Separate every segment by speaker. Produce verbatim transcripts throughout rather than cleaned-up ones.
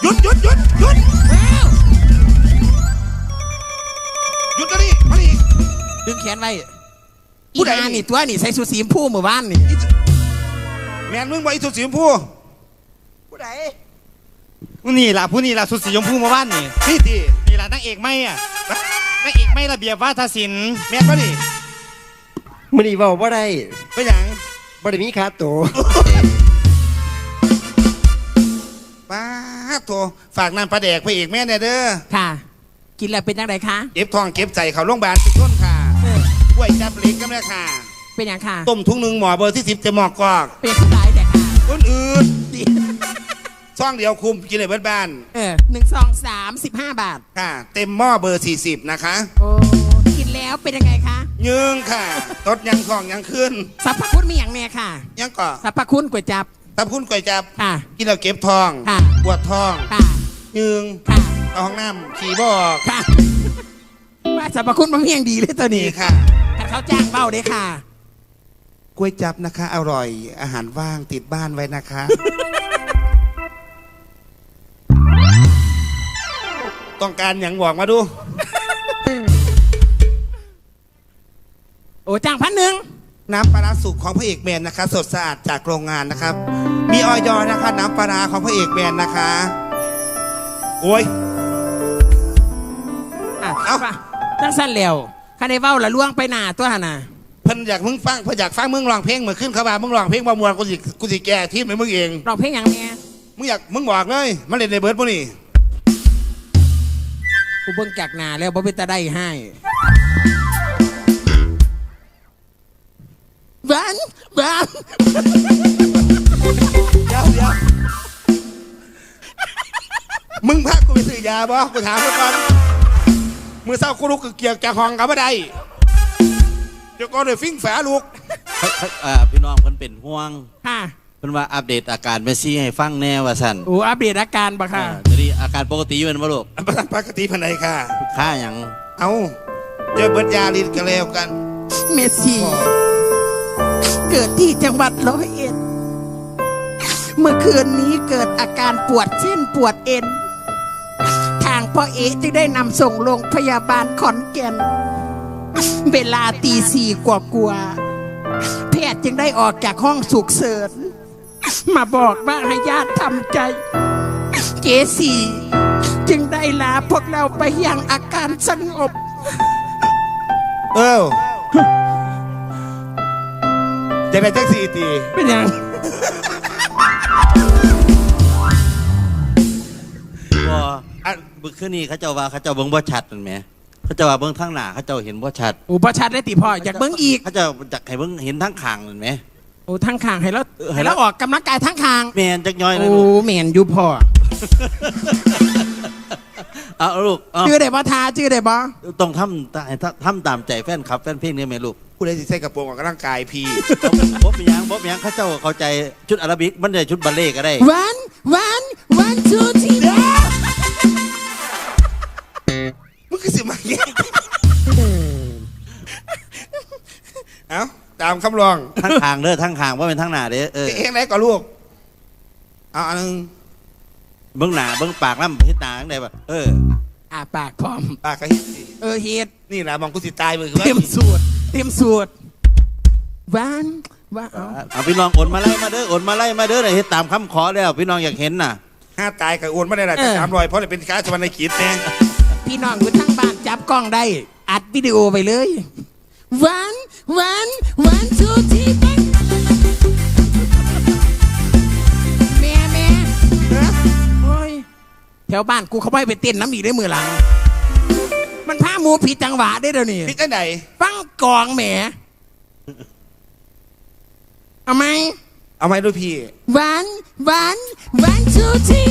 Speaker 1: ยุดหยุดหยุดหยุดหยุดกันดิมาดิ
Speaker 2: ดึงแขนไว้อีนานี่ตัวนี่ใส่สูทสีชมพูเมื่อวานนี่
Speaker 1: แมนมึงบอกอีสุดสีชมพูผู้ใด
Speaker 3: ผู้นี่ล่ะผู้นี่ล่ะสุดสีชมพูเมื่อวานนี่
Speaker 1: นี่ที
Speaker 3: นี่ล่ะนางเอกไม่อ่ะนางเอกไม่ระเบียบวาทศิลป์
Speaker 1: แมนป่ะดิ
Speaker 4: มื้อนี้เว้าบ่ได้
Speaker 1: เป็นหยัง
Speaker 4: บ่ได้มีค่าตัว
Speaker 1: ป้าโถฝากน้ำปลาแดกไปอีกแม่เนี่ยเด้อ
Speaker 2: ค่ะกินแล้วเป็นยังไงคะ
Speaker 1: เก็บทองเก็บใจเขาโรงพยาบาลทุกคนค่ะกล้วยจับเล็กก็ไม่ค่ะ
Speaker 2: เป็นยังค่ะ
Speaker 1: ต้มทุ่งหนึ่งหมอเบอร์ที่สิบจะหมอกกอก
Speaker 2: เป็นสายแต่ค่ะ
Speaker 1: คนอื่นซ่องเดียวคุมกินเลยเบิดบ้าน
Speaker 2: เออหนึ่งสองสามสิบห้าบาท
Speaker 1: ค่ะเต็มหม้อเบอร์สี่สิบนะคะ
Speaker 2: โอ้กินแล้วเป็นยังไงคะ
Speaker 1: ยืงค่ะตดยังของยังขึ้น
Speaker 2: สรรพคุณมีอย่างแน่ค่ะ
Speaker 1: ยังก่อ
Speaker 2: สรรพคุณก๋วยจับ
Speaker 1: สรรพคุณก๋วยจับ
Speaker 2: ค่ะ
Speaker 1: กินแล้วเก็บทอง
Speaker 2: ค่ะ
Speaker 1: ปวดทอง
Speaker 2: ค่ะ
Speaker 1: ยืง
Speaker 2: ค่ะ
Speaker 1: เอาห้องน้ำขี่บอก
Speaker 2: ค่ะว่าสรรพคุณบางอย่างดีเลยตัวนี้
Speaker 1: ค่ะ
Speaker 2: ถ้าเขาจ้างเบ้าได้ค่ะ
Speaker 1: ก๋วยจับนะคะอร่อยอาหารว่างติดบ้านไว้นะคะต้องการอย่างบอกมาดู
Speaker 2: โอ้จ้างพันหนึ่ง
Speaker 1: น้ำปลาสุกของพระเอกแมนนะคะสดสะอาดจากโรงงานนะครับมีออยอนะคะน้ำปลาของพระเอกแมนนะคะโอ้ย
Speaker 2: เอาตั้งสั้นแล้วข้าในเบ้าละล่วงไปหนาตัวหนา
Speaker 1: เพิ่นอยากมึงฟังเพิ่นอยากฟังมึงร้องเพลงเหมือนขึ้นเขาบ่ามึงร้องเพลงบ่มวนกูสิกูสิแก่ที่มึงเอง
Speaker 2: ร้องเพลงอย่างเนี้ย
Speaker 1: มึงอยากมึงบอกเลยมาเล่นในเบิร์ดพวกนี้
Speaker 2: กูเบิ่งจากหนาแล้วบ่เป็นตาได้ให้บ้านบ้าน
Speaker 1: เดี๋ยวเดี๋ยวมึงพากูไปซื้อยาบ่กูถามมึงก่อนมือเศร้ากูลุกเกี่ยวจากห้องกับบ่ได้เดี๋ยวก่อนเดี๋ยวฟิ้งฝาลูก
Speaker 3: พี่น้องเพิ่นเป็นห่วง
Speaker 2: ค่ะ
Speaker 3: เพิ่นว่าอัปเดตอาการเมสซี่ให้ฟังแน่ว่าสั่น
Speaker 2: โอ้อัปเดตอาการบ่ค่ะ
Speaker 3: จะดีอาการปกติอยู่เป็นบ่ลูก
Speaker 1: ปกติภายในค่ะ
Speaker 3: ค่าอย่าง
Speaker 1: เอาเจอเบิร์ดยาลินกันแล้วกัน
Speaker 2: เมสซี่เกิดที่จังหวัดร้อยเอ็ดเมื่อคืนนี้เกิดอาการปวดเส้นปวดเอ็นทางพ่อเอ๋จึงได้นำส่งโรงพยาบาลขอนแก่นเวลาตีสี่กว่ากว่าแพทย์จึงได้ออกจากห้องฉุกเฉินมาบอกว่าให้ญาติทำใจเจสี่จึงได้ลาพวกเราไปยังอาการสงบ
Speaker 1: เออจะได้แท็กซี่ตี
Speaker 2: เป็นยัง
Speaker 3: ว่าอันบึกขึ้นนี่เขาเจ้าว่าเขาเจ้าเบิ้งบ่ชัดนั่นไหมเขาเจ้าว่าเบิ้งทั้งหน้าเขาเจ้าเห็นบ่ชัด
Speaker 2: โอ้บ่ชัดได้ติพ่ออยากเบิ้งอีก
Speaker 3: เขาเจ้าอยากให้เบิ้งเห็นทั้งข้างนั่นไหม
Speaker 2: โอ้ทั้งข้างให้แล้วให้แล้วออกกำลังกายทั้งข้าง
Speaker 3: แมนจักย่อย
Speaker 2: นะลูกโอ้แมนอยู่พ่อ
Speaker 3: เอาลูก
Speaker 2: ชื่อได้บ่ทาชื่อได้บ่
Speaker 3: ต้องทำทำตามใจแฟนคลับแฟนเพลงนี่ไหมลูก
Speaker 1: ผู้ใดสิใส่กระโปรงออกกำลังกายพี่
Speaker 3: บ๊อบยังบ๊อบยังเขาเจ้าเข้าใจชุดอาราบิกมันได้ชุดบัลเล่ก็ได้
Speaker 2: วันวันวันทูทีเดียว
Speaker 1: มึงคือสิมาแย่เอ้าตามคำร้อง
Speaker 3: ทั้งทางเด้อทั้งทางว่าเป็นทั้งหน้าเด้อเออ
Speaker 1: เองไหนก่อนลูกเอาอันนึง
Speaker 3: เบื้องหน้าเบื้องปากน้ำพิษตาได้ป่ะเออ
Speaker 2: อ่าปากพร้อม
Speaker 1: ปากกระเฮ็ด
Speaker 2: เออเฮ็ด
Speaker 1: นี่แหละมองกูสิตายมือ
Speaker 2: เต็มสูตรเต็มสูตรวันว่า
Speaker 3: เอาพี่น้องโอนมาไล่มาเด้อโอนมาไล่มาเด้อเลยเฮ็ดตามคำขอแล้วพี่น้องอยากเห็นน่ะ
Speaker 1: ห้าตายกับโอนไม่ได้หรอกจะสามรอยเพราะเลยเป็นค้าสวรรค์ขีดแน่
Speaker 2: พี่น้องอยู่ทั้งบ้านจับกล้องได้อัดวิดีโอไปเลยวันวันวันทูทีแม่แม่โอ้ยแถวบ้านกูเขาไปไปเต้นน้ำอีกได้มือหลังมันพาหมูผิดจังหวะได้เดี๋ยวนี้
Speaker 1: ผิดได้ไหน
Speaker 2: ฟังกองแหมเอาไหม
Speaker 1: เอาไหมด้วยพี่
Speaker 2: วันวันวันทูที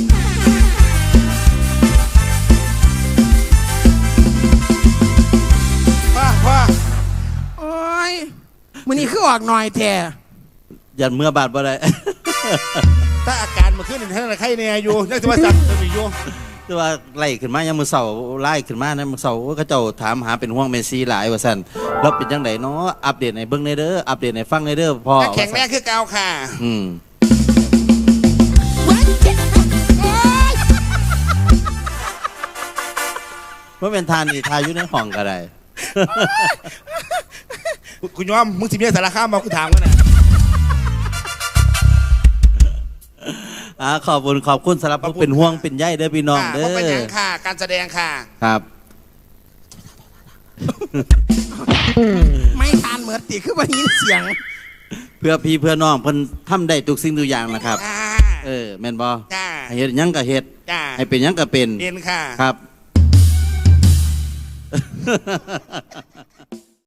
Speaker 1: ว่าว่า
Speaker 2: โอ้ยมันนี่คือออกหน่อยแท้
Speaker 3: ยันเมื่อบาดบ่ได้
Speaker 1: ถ้าอาการมาขึ้นในท่านใครเนี่ยอยู่นักธรรมศาสตร์จะมีอยู่
Speaker 3: แต่ว่าไล่ขึ้นมายังมือเสาไล่ขึ้นมานะมือเสาเขาเจ้าถามหาเป็นห่วงเมสซี่หลายว่าสั่นแล้วเป็นยังไงเนาะอัปเดตในเบื้องในเด้ออัปเดตในฟังในเด้อพอ
Speaker 1: แข็งแรงคือเก่าค่ะ
Speaker 3: อืมว่าเป็นทานนี่ทายอยู่ในห้องก็ได้
Speaker 1: คุณยอมมึงสิเมียสารคามมากูถามกันนะ
Speaker 3: อ่าขอบคุณขอบคุณสำหรับผู้เป็นห่วงเป็นใยเด้อพี่น้องเด้
Speaker 1: เพราะเป็นอ
Speaker 3: อย่าง
Speaker 1: ค่ะ การแสดงค่ะ
Speaker 3: ครับ
Speaker 2: ไม่ทานเหมือนติคือว่ายินเสียง
Speaker 3: เพื่อพี่เพื่อน้องเพิ่นทำได้ทุกสิ่งทุกอย่างนะครับ
Speaker 1: จ้า
Speaker 3: เออแม่นบ่
Speaker 1: จ้า
Speaker 3: ให้เฮ็ดหยังก็เฮ็ด
Speaker 1: จ้า
Speaker 3: ให้เป็นหยังก็เป็น
Speaker 1: เรียนค่ะ
Speaker 3: ครับ